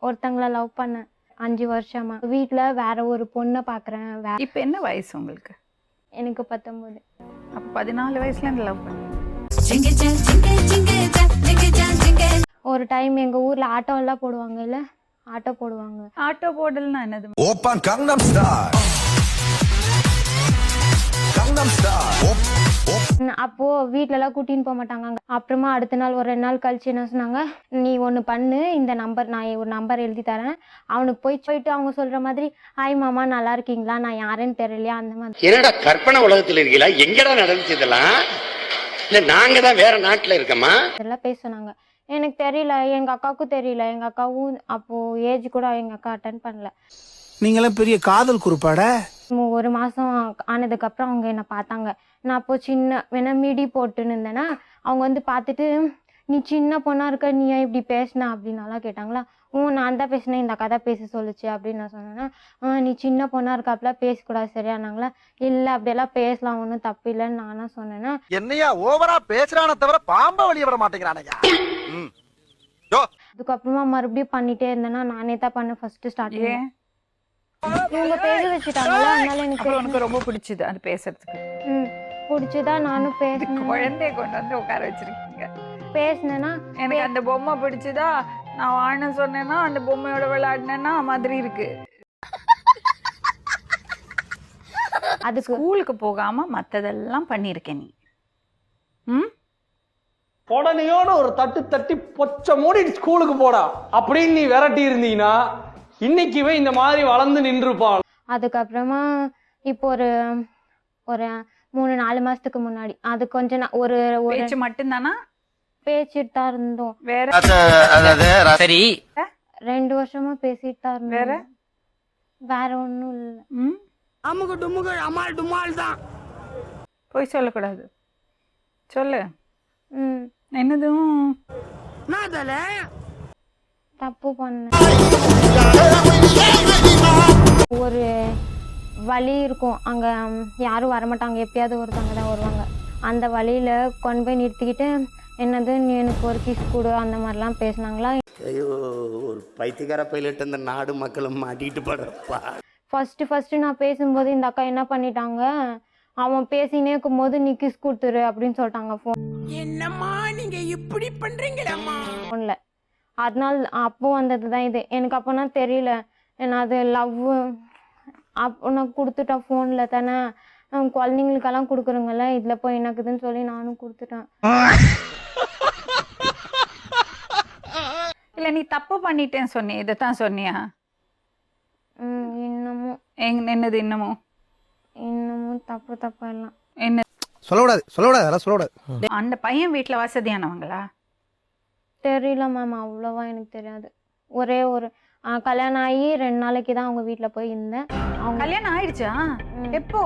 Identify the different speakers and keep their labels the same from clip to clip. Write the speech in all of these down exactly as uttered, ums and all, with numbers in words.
Speaker 1: ஒருத்தங்கள லவ் பண்ணேன் அஞ்சு வருஷமா. வீட்ல வேற ஒரு பொண்ணை பார்க்குறேன். வே
Speaker 2: இப்போ என்ன வயசு உங்களுக்கு?
Speaker 1: எனக்கு பத்தொன்பது.
Speaker 2: அப்போ பதினாலு வயசுல இந்த லவ் பண்ணீங்க.
Speaker 1: ஒரு டைம் எங்க ஊர்ல ஆட்டோ எல்லாம் போடுவாங்க இல்ல, ஆட்டோ போடுவாங்க.
Speaker 2: ஆட்டோ போடல்னா என்னது?
Speaker 3: Open Gangnam star Gangnam star.
Speaker 1: அப்போ வீட்ல எல்லாம் கூட்டின்னு போக மாட்டாங்க. அப்புறமா அடுத்த நாள் ஒரு ரெண்டு நாள் கழிச்சு என்ன சொன்னாங்க, நீ ஒன்று பண்ணு, இந்த நம்பர் நான் ஒரு நம்பர் எழுதி தரேன், அவனுக்கு போய் போயிட்டு அவங்க சொல்ற மாதிரி ஹாய் மாமா நல்லா இருக்கீங்களா, நான் யாருன்னு தெரியலையா, அந்த மாதிரி.
Speaker 4: என்னடா கற்பனை உலகத்துல இருக்கீங்களா? எங்கடா நடந்துச்சு இதெல்லாம்? இல்ல நாங்க தான் வேற நாட்டுல இருக்கோமா?
Speaker 1: இதெல்லாம் பேச சொன்னாங்க. எனக்கு தெரியல, எங்க அக்காவுக்கும் தெரியல. எங்க அக்காவும் அப்போ ஏஜ் கூட எங்க அக்கா அட்டன் பண்ணல.
Speaker 5: நீங்களாம் பெரிய காதல் குறிப்பாட.
Speaker 1: ஒரு மாசம் ஆனதுக்கு அப்புறம் அவங்க என்ன பார்த்தாங்க. நான் அப்போ சின்ன வேணா மிடி போட்டுன்னு இருந்தேன்னா அவங்க வந்து பார்த்துட்டு நீ சின்ன பொண்ணா இருக்க, நீ ஏன் இப்படி பேசினா அப்படின்னாலாம் கேட்டாங்களா. ஓ நான் தான் பேசினேன், இந்த கதை பேச சொல்லுச்சு அப்படின்னு நான் சொன்னேன்னா, ஆ நீ சின்ன பொண்ணா இருக்க, அப்படிலாம் பேசக்கூடாது சரியானாங்களா. இல்லை அப்படியெல்லாம் பேசலாம், ஒன்றும் தப்பு இல்லைன்னு நானா சொன்னேன்னா.
Speaker 5: என்னையா ஓவரா பேசுறான தவிர பாம்ப வெளியே வர மாட்டேங்கிறானயா.
Speaker 1: அதுக்கப்புறமா மறுபடியும் பண்ணிட்டே இருந்தேன்னா நானே தான் பண்ண ஃபர்ஸ்ட் ஸ்டார்ட். இவங்க பேச வச்சுட்டாங்களா, அதனால எனக்கு
Speaker 2: உனக்கு ரொம்ப பிடிச்சது அது பேசுறதுக்கு.
Speaker 1: ம் பிடிச்சதான் நானும் பேசினேன்.
Speaker 2: குழந்தைய கொண்டு வந்து உட்கார வச்சிருக்கீங்க.
Speaker 1: பேசினேன்னா
Speaker 2: எனக்கு அந்த பொம்மை பிடிச்சதா, நான் வாழ சொன்னேன்னா அந்த பொம்மையோட விளையாடினேன்னா மாதிரி இருக்கு. அது ஸ்கூலுக்கு போகாம மத்ததெல்லாம் பண்ணிருக்கேன் நீ. ம்
Speaker 6: உடனேயோட ஒரு தட்டு தட்டி பொச்ச மூடி ஸ்கூலுக்கு போடா அப்படின்னு நீ விரட்டி இருந்தீங்கன்னா இன்னைக்குவே இந்த மாதிரி வளர்ந்து நின்றுப்பாள்.
Speaker 1: அதுக்கப்புறமா இப்போ ஒரு ஒரு மூணு நாலு மாசத்துக்கு முன்னாடி அது கொஞ்சம் ஒரு
Speaker 2: பேச்சு மட்டும்தானா?
Speaker 1: பேசிட்டு தான் இருந்தோம்.
Speaker 2: வேற
Speaker 7: சரி
Speaker 1: ரெண்டு வருஷமா பேசிட்டு தான் இருந்தோம்.
Speaker 2: வேற
Speaker 1: வேற ஒண்ணும் இல்ல.
Speaker 2: ம்
Speaker 5: அமுக டுமுக அமால் டுமால் தான்.
Speaker 2: போய் சொல்லக்கூடாது, சொல்லு.
Speaker 1: ம்
Speaker 2: என்னதும்
Speaker 1: தப்பு பண்ண ஒரு வழி இருக்கும் அங்க, யாரும் வரமாட்டாங்க, எப்பயாவது ஒருத்தவங்க தான் வருவாங்க. அந்த வழியில கொண்டு போய் நிறுத்திக்கிட்டு என்னது நீ எனக்கு ஒரு கிஸ் கொடு அந்த மாதிரிலாம் பேசினாங்களா.
Speaker 4: ஐயோ ஒரு பைத்தியக்கார பைலட் அந்த நாடு மக்களும் மாட்டிட்டு படுறப்பா.
Speaker 1: ஃபர்ஸ்ட் ஃபர்ஸ்ட் நான் பேசும்போது இந்த அக்கா என்ன பண்ணிட்டாங்க, அவன் பேசினே இருக்கும் போது நீ கிஸ் கொடுத்துரு அப்படின்னு சொல்லிட்டாங்க ஃபோன்.
Speaker 5: என்னம்மா நீங்க இப்படி பண்றீங்களம்மா
Speaker 1: ஃபோன்ல. அதனால அப்போ வந்தது தான் இது. எனக்கு அப்போனா தெரியல, நான் அது லவ் அப்போ நான் கொடுத்துட்டேன் ஃபோனில் தானே, குழந்தைங்களுக்கெல்லாம் கொடுக்குறோங்கல்ல, இதில் போய் எனக்குதுன்னு சொல்லி நானும் கொடுத்துட்டேன்.
Speaker 2: இல்ல நீ தப்பு பண்ணிட்டேன்னு சொன்னி, இதைத்தான் சொன்னியா?
Speaker 1: ம் இன்னமும்
Speaker 2: எங்க என்னது இன்னமும்
Speaker 1: இன்னமும் தப்பு தப்பா எல்லாம்
Speaker 2: என்ன
Speaker 5: சொல்லக்கூடாது சொல்லக்கூடாது அதெல்லாம் சொல்லக்கூடாது.
Speaker 2: அந்த பையன் வீட்டுல வசதியானவங்களா?
Speaker 1: தெரியல மேம், அவ்வளோவா எனக்கு தெரியாது. ஒரே ஒரு கல்யாணம் ஆகி ரெண்டு நாளைக்கு தான் அவங்க வீட்டில் போய் இருந்தேன். அவங்க
Speaker 2: கல்யாணம் ஆயிடுச்சா? எப்போ?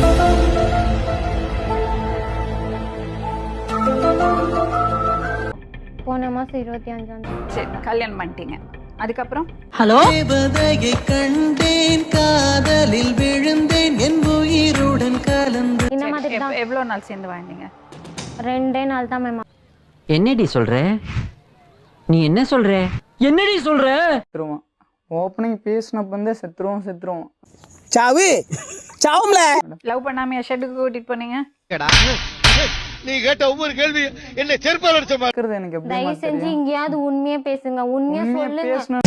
Speaker 1: போன மாசம் இருபத்தி அஞ்சாம் தேதி.
Speaker 2: சரி கல்யாணம் பண்ணிட்டீங்க. அதுக்கப்புறம்
Speaker 8: ஹலோ தேவதையை கண்டேன், காதலில் விழுந்தேன், என் உயிருடன் கலந்து.
Speaker 1: இந்த மாதிரி தான்.
Speaker 2: எவ்வளவு நாள் சேர்ந்து வாழ்ந்தீங்க?
Speaker 1: ரெண்டே நாள் தான் மேம்.
Speaker 7: என்னடி சொல்ற? நீ என்ன சொல்ற? என்னடி சொல்ற?
Speaker 6: செத்துருவான். ஓப்பனிங் பேசினப்ப வந்து செத்துருவோம் செத்துருவோம்
Speaker 5: சாவு சாவும்ல.
Speaker 2: லவ் பண்ணாமையா ஷெட்டுக்கு கூட்டிட்டு போனீங்க?
Speaker 3: நீ கேட்ட ஒவ்வொரு கேள்வி என்ன செருப்பால் அடிச்ச மாதிரி
Speaker 6: இருக்கிறது எனக்கு எப்படி
Speaker 1: தயவு செஞ்சு இங்கேயாவது உண்மையா பேசுங்க, உண்மையா சொல்லுங்க.
Speaker 6: பேசணும்.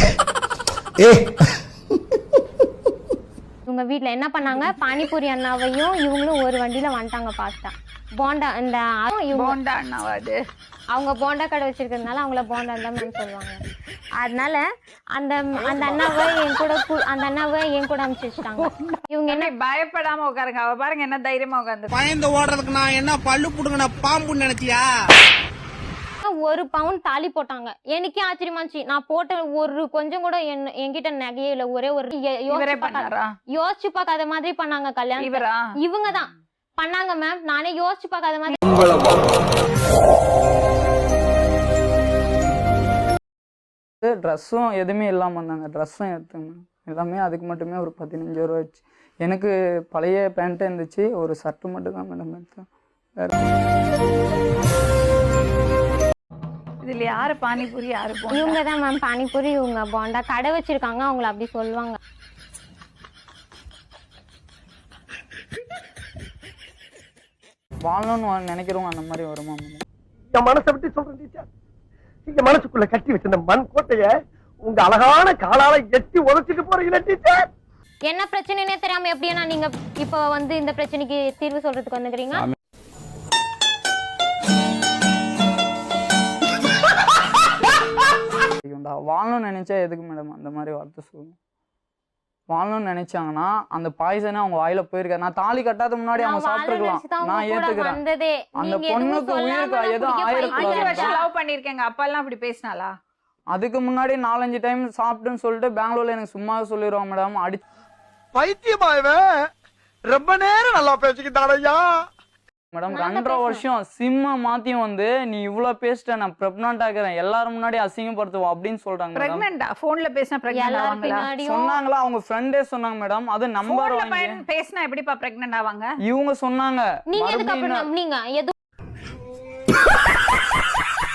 Speaker 1: இவங்க வீட்ல என்ன பண்ணாங்க, பானிபூரி அண்ணாவையும் இவங்களும் ஒரு வண்டியில வந்துட்டாங்க பாஸ்தா போண்டா. இந்த
Speaker 2: போண்டா அண்ணாவாது
Speaker 1: அவங்க போண்டா கடை வச்சிருக்கிறதுனால அவங்கள போண்டா தான் மேம் சொல்லுவாங்க. அதனால அந்த அந்த அண்ணாவை என் கூட அந்த அண்ணாவை என் கூட அனுப்பிச்சு வச்சுட்டாங்க. இவங்க என்ன
Speaker 2: பயப்படாம உட்காருங்க. அவ பாருங்க என்ன தைரியமா உட்காந்து.
Speaker 5: பயந்து ஓடுறதுக்கு நான் என்ன பல்லு புடுங்கின பாம்புன்னு நினைச்சியா?
Speaker 1: ஒரு பவுன் தாலி போட்டாங்க. எனக்கே ஆச்சரியமா இருந்துச்சு. நான் போட்ட ஒரு கொஞ்சம் கூட என்கிட்ட நகையே இல்ல. ஒரே ஒரு யோசிச்சு பார்க்காத மாதிரி பண்ணாங்க கல்யாணம்.
Speaker 2: இவரா?
Speaker 1: இவங்க தான் பண்ணாங்க மேம். நானே யோசிச்சு பார்க்காத மாதிரி.
Speaker 6: ட்ரெஸ்ஸும் எதுவுமே இல்லாமல் வந்தாங்க. ட்ரெஸ்ஸும் எடுத்துங்க எல்லாமே அதுக்கு மட்டுமே ஒரு பதினஞ்சு ரூபா ஆச்சு. எனக்கு பழைய பேண்ட்டு இருந்துச்சு, ஒரு ஷர்ட்டு மட்டும் தான் மேடம் எடுத்தேன். வேறு
Speaker 2: இது இதுல யாரு பானிபூரி யாரு போண்டா?
Speaker 1: இவங்க தான் மேம் பானிபூரி, இவங்க போண்டா. கடை வச்சிருக்காங்க, அவங்கள அப்படி சொல்லுவாங்க.
Speaker 6: வாழணும்னு நினைக்கிறவங்க அந்த மாதிரி வருமா மேடம்?
Speaker 5: என் மனசை விட்டு சொல்றேன் டீச்சர். என் மனசுக்குள்ள கட்டி வச்சிருந்த மண் கோட்டைய உங்க அழகான காலால எட்டி உதச்சிட்டு போறீங்களா டீச்சர்?
Speaker 1: என்ன பிரச்சனைனே தெரியாம எப்படின்னா நீங்க இப்போ வந்து இந்த பிரச்சனைக்கு தீர்வு சொல்றதுக்கு வந்துக்கிறீங்க?
Speaker 6: வாழணும்னு நினைச்சா எதுக்கு மேடம் அந்த மாதிரி வார்த்தை சொல்லுங்க? வாழணும்னு நினைச்சாங்கன்னா அந்த பாய்சனே அவங்க வாயில போயிருக்காரு. நான் தாலி கட்டாத முன்னாடி அவங்க சாப்பிட்டுருக்கலாம், நான் ஏத்துக்கிறேன். அந்த பொண்ணுக்கு உயிருக்கு எதுவும்
Speaker 2: அஞ்சு
Speaker 6: ஆயிருக்கு.
Speaker 2: வருஷம் லவ் பண்ணிருக்கேங்க, அப்பா எல்லாம் அப்படி பேசினாலா?
Speaker 6: அதுக்கு முன்னாடி நாலஞ்சு டைம் சாப்பிட்டுன்னு சொல்லிட்டு பெங்களூர்ல எனக்கு சும்மா சொல்லிடுவாங்க மேடம். அடி
Speaker 5: பைத்தியமாயவன் ரொம்ப நேரம் நல்லா பேசிக்கிட்டான் ஐயா.
Speaker 6: மேடம் ரெண்டரை வருஷம் சிம்ம மாத்தியும் வந்து நீ இவ்வளவு பேசிட்ட, நான் பிரெக்னன்ட் ஆகிறேன், எல்லாரும் முன்னாடி அசிங்கப்படுத்துவோம் அப்படின்னு சொல்றாங்க மேடம்.
Speaker 2: பிரெக்னன்ட்டா? போன்ல பேசினா பிரெக்னன்ட்
Speaker 1: எல்லாரும்
Speaker 2: ஆவாங்களா?
Speaker 1: பின்னாடியும்
Speaker 6: சொன்னாங்களா? அவங்க ஃப்ரெண்டே சொன்னாங்க மேடம். அது நம்பர்
Speaker 2: போன்ல
Speaker 6: வாங்கி
Speaker 2: பேசினா எப்படிப்பா பிரெக்னன்ட் ஆவாங்க?
Speaker 6: இவங்க சொன்னாங்க.
Speaker 1: நீங்க எதுக்கு அப்புறம்
Speaker 6: மறுபடியும்
Speaker 1: நம்புனீங்க? எது